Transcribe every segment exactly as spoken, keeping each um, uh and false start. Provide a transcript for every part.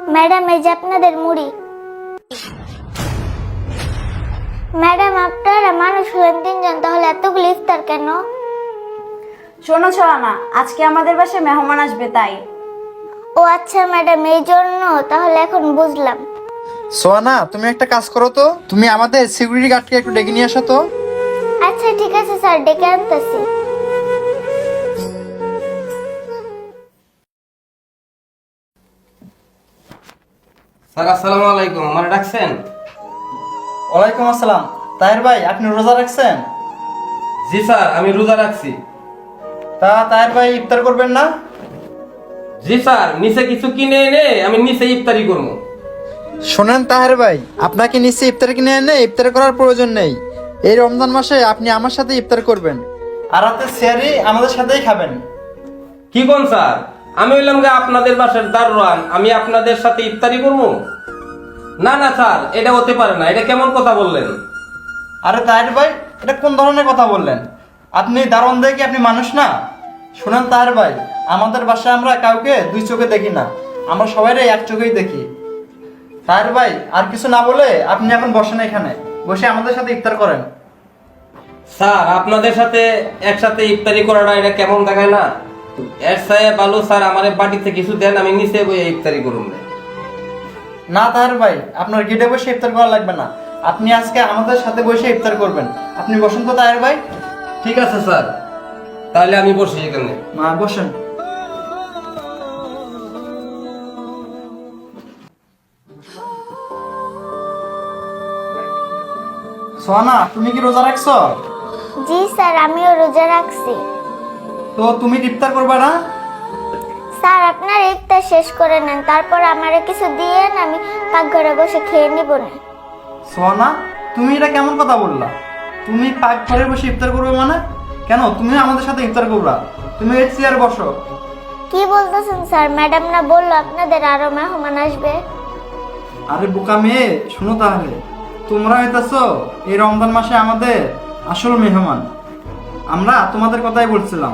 Madam, এই যে আপনাদের মুড়ি। ম্যাডাম, আপনারা মানুষ হলেন তিনজন, তাহলে এতগুলো ইফতার কেন? শোনো সোহানা, আজকে আমাদের বাসায় মেহমান আসবে তাই। ও আচ্ছা ম্যাডাম, এই জন্য। তাহলে এখন বুঝলাম। সোয়ানা, তুমি একটা কাজ করো তো, তুমি আমাদের সিকিউরিটি গার্ডকে একটু ডেকে নিয়ে আসো তো। আচ্ছা ঠিক আছে স্যার, ডেকে আনতেছি। স্যার আসসালামু আলাইকুম, আমার ডাকছেন? ওয়ালাইকুম আসসালাম। তাহের ভাই, আপনি রোজা রাখছেন? জি স্যার, আমি রোজা রাখছি। তা তাহের ভাই ইফতার করবেন না? জি স্যার, নিচে কিছু কিনে এনে আমি নিচে ইফতারি করবো। শোনেন তাহের ভাই, আপনাকে নিশ্চয়ই ইফতার কিনে এনে ইফতার করার প্রয়োজন নেই। এই রমজান মাসে আপনি আমার সাথে ইফতার করবেন, আর রাতে সেহরি আমাদের সাথেই খাবেন। কি কোন স্যার? আমি হইলাম যে আপনাদের বাসার দারোয়ান, আমি আপনাদের সাথে ইফতারি করবো? না না স্যার, এটা হতে পারে না। এটা কেমন কথা বললেন? আরে তাহের ভাই, এটা কোন ধরনের কথা বললেন? আপনি দারোয়ান দেখে কি আপনি মানুষ না? শুনেন তাহের ভাই, আমাদের বাসায় আমরা কাউকে দুই চোখে দেখি না, আমরা সবাই এক চোখেই দেখি। তাহের ভাই, আর কিছু না বলে আপনি এখন বসেন, এখানে বসে আমাদের সাথে ইফতার করেন। স্যার, আপনাদের সাথে একসাথে ইফতারি করাটা এটা কেমন দেখায় না? এর সাথে ভালো স্যার আমার বাড়িতে কিছু দেন, আমি নিচে বসে ইফতারি করুন। না তাহের ভাই, আপনার গেটে বসে ইফতার করা লাগবে না, আপনি আজকে আমাদের সাথে বসে ইফতার করবেন। আপনি বসেন তো তাহের ভাই। ঠিক আছে স্যার, তাহলে আমি বসি এখানে। মা বসেন। সোহানা, তুমি কি রোজা রাখছো? জি স্যার, আমিও রোজা রাখছি। তো তুমি ইফতার করবে না? স্যার, আপনার ইফতার শেষ করে নেন, তারপর আমারে কিছু দিয়েন, আমি পাকঘরে বসে খেয়ে নিব না। সোহানা, তুমি এটা কেমন কথা বললা? তুমি পাক ঘরে বসে ইফতার করবে মানে? কেন, তুমি আমাদের সাথে ইফতার করবা? তুমি এই চেয়ার বসো। কি বলতেছেন স্যার? ম্যাডাম না বললো আপনাদের আরো মেহমান আসবে? আরে বোকা মেয়ে, শুনো তাহলে, তোমরা হইতেছো এই রমজান মাসে আমাদের আসল মেহমান। আমরা তোমাদের কথাই বলছিলাম।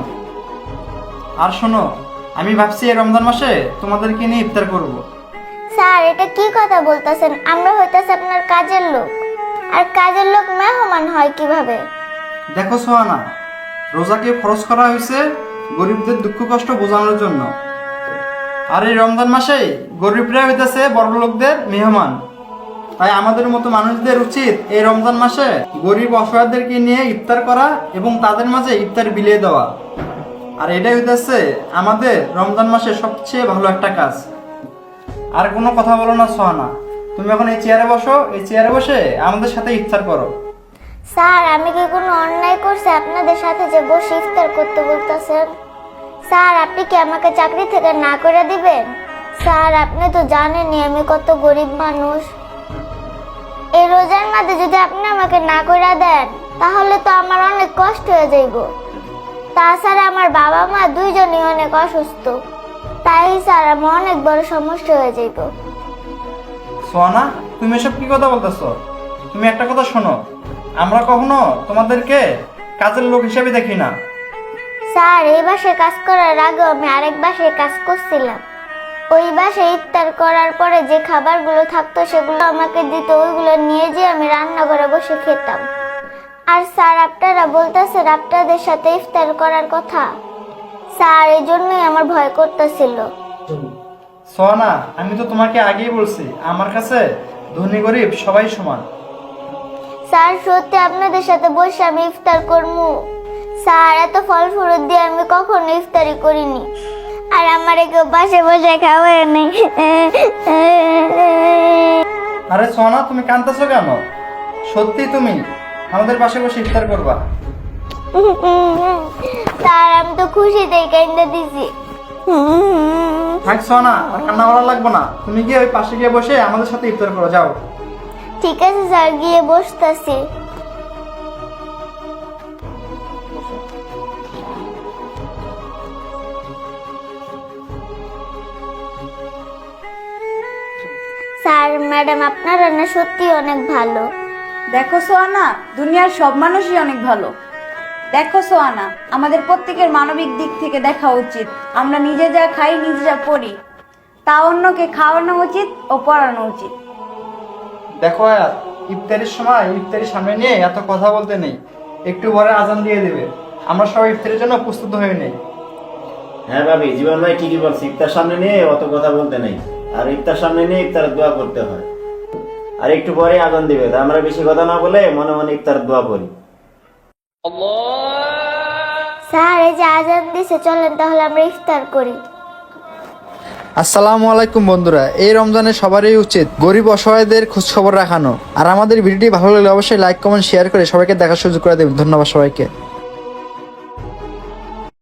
আর শোনো, আমি ভাবছি এই রমজান মাসে তোমাদেরকে নিয়ে ইফতার করব। স্যার, এটা কি কথা বলতেছেন? আমরা হইতাছে আপনার কাজের লোক, আর কাজের লোক মেহমান হয় কিভাবে? দেখো সোহানা, রোজাকে ফরজ করা হয়েছে গরিবদের দুঃখ কষ্ট বোঝানোর জন্য। আর এই রমজান মাসে গরিবরা হইতেছে বড় লোকদের মেহমান। তাই আমাদের মতো মানুষদের উচিত এই রমজান মাসে গরিব অসহায়দেরকে নিয়ে ইফতার করা এবং তাদের মাঝে ইফতার বিলিয়ে দেওয়া। আর এটাই হইতেছে আমাদের রমজান মাসে সবচেয়ে ভালো একটা কাজ। আর কোনো কথা বলো না সোহানা, তুমি এখন এই চেয়ারে বসো, এই চেয়ারে বসে আমাদের সাথে ইফতার করো। স্যার, আমি কি কোনো অন্যায় করছি আপনাদের সাথে যে বসে ইফতার করতে বলতেছেন? স্যার, আপনি কি আমাকে চাকরি থেকে না করে দিবেন? স্যার, আপনি তো জানেনই আমি কত গরিব মানুষ। এই রোজার মাঝে যদি আপনি আমাকে না করে দেন, তাহলে তো আমার অনেক কষ্ট হয়ে যাইব। তাছাড়া আমার বাবা মা দুইজনই অনেক অসুস্থ, তাই স্যার আমার অনেক বড় সমস্যা হয়ে যাইব। সোহানা, তুমি এসব কি কথা বলতেছো? তুমি একটা কথা শোনো, আমরা কখনো তোমাদেরকে কাজের লোক হিসেবে দেখি না। স্যার, এই বাসায় কাজ করার আগে আমি আরেক বাসায় কাজ করছিলাম। ওই বাসায় ইফতার করার পরে যে খাবারগুলো থাকতো সেগুলো আমাকে দিত, ওইগুলো নিয়ে যেয়ে আমি রান্না করে বসে খেতাম। আর স্যার, আপনারা বলতেছেন আপনাদের সাথে ইফতার করার কথা। স্যার, এই জন্যই আমার ভয় করতেছিল। সোহানা, আমি তো তোমাকে আগেই বলছি, আমার কাছে ধনী গরিব সবাই সমান। স্যার, সত্যি আপনাদের সাথে বসে আমি ইফতার করবো। স্যার, এত ফল ফ্রুট দিয়ে আমি কখনো ইফতারি করিনি, আর আমার কেউ পাশে বসে খাওয়ায় নেই। আরে সোহানা, তুমি কাঁদতেছো কেন? সত্যি তুমি আমাদের পাশে বসে ইফতার করবা? স্যার, আমি তো খুশিতেই কান্দা দিছি। থাক সোহানা, আর কান্না করা লাগবে না, তুমি গিয়ে ওই পাশে গিয়ে বসে আমাদের সাথে ইফতার করো, যাও। ঠিক আছে স্যার, গিয়ে বসতেছি। স্যার, ম্যাডাম আপনারা না সত্যি অনেক ভালো। দেখো সোহানা, দুনিয়ার সব মানুষই অনেক ভালো। দেখো সোহানা, আমাদের প্রত্যেকের মানবিক দিক থেকে দেখা উচিত। আমরা নিজে যা খাই, নিজে যা পড়ি, তা অন্যকে খাওয়ানো উচিত ও পড়ানো উচিত। দেখো আয়াত, ইফতারির সময় ইফতারির সামনে নিয়ে এত কথা বলতে নেই। একটু পরে আজান দিয়ে দেবে, আমরা সবাই ইফতারের জন্য প্রস্তুত হয়ে নেই। হ্যাঁ ভাবি, জীবন ভাই ঠিকই বলছে, ইফতার সামনে নিয়ে অত কথা বলতে নেই। আর ইফতার সামনে নিয়ে ইফতারের দোয়া করতে হয়। আর একটু পরে আজান দিবে, তা আমরা বেশি কথা না বলে মনে মনে ইফতারের দোয়া করি। স্যার এই যে আজান দিছে, চলেন তাহলে আমরা ইফতার করি। আসসালামু আলাইকুম বন্ধুরা, এই রমজানে সবারই উচিত গরিব অসহায়দের খোঁজ খবর রাখানো। আর আমাদের ভিডিওটি ভালো লাগলে অবশ্যই লাইক কমেন্ট শেয়ার করে সবাইকে দেখার সুযোগ করে দেবেন। ধন্যবাদ সবাইকে।